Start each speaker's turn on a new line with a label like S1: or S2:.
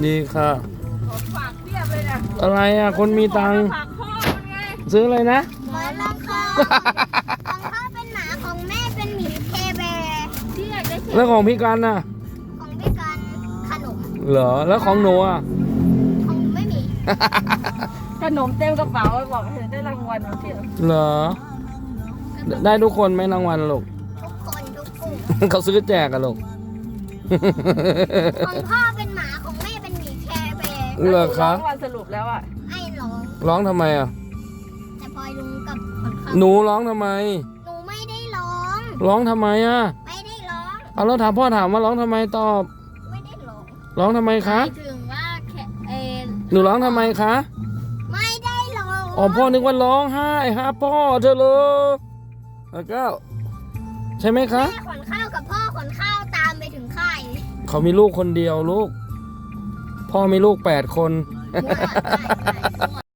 S1: ดีค่ะ
S2: ของฝากเพียบเลยนะ
S1: อะไรอ่ะคนมีตังค์
S2: ฝากพ่อมันไง
S1: ซื้ออะไรนะ
S3: หมอนรองคอของพ่อเป็นหมาของแม่เป็นหมีเคแบร์
S2: ที่อยากได้เข็ม
S1: แล้วของพี่กันน่ะ
S3: ของพี่กันขนม
S1: เหรอแล้วของหนูอ่ะ
S3: ของไม่มี
S2: ขนมเต็มกระเป๋าบอกเห็นได้รางวัลมาเที่ยว
S1: เหรอได้ทุกคนไหมรางวัลลูก
S3: ทุกคนทุกกลุ่ม
S1: เขาซื้อแจกอะลูก
S3: ของพ่อเป็นหมาของแม่เป็นหมีแคร์แบร์
S1: เหรอคะ
S2: รางวัลสรุปแล้วอ่ะ
S3: ไอ้ร้อง
S1: ร้องทำไมอ่ะ
S3: แต่พลอยลุงกับคนเขา
S1: หนูร้องทำไม
S3: หนูไม่ได้ร้อง
S1: ร้องทำไมอ่ะ
S3: ไม่ได้ร้อง
S1: เอาแล้วถามพ่อถามว่าร้องทำไมตอบ
S3: ไม่ได้ร้อง
S1: ร้องทำไมคะ
S3: หมายถึงว่าแค่
S1: หนูร้องทำไมคะ
S3: ไม่ได้ร้อง
S1: อ๋อพ่อนึกว่าร้องไห้ฮะพ่อเธอเลยแล้วก็ใช่ไหมคะ
S3: แม่ขนข้าวกับพ่อขนข้าวตามไปถึงค่าย
S1: เขามีลูกคนเดียวลูก พ่อมีลูก8 คน
S3: ใช่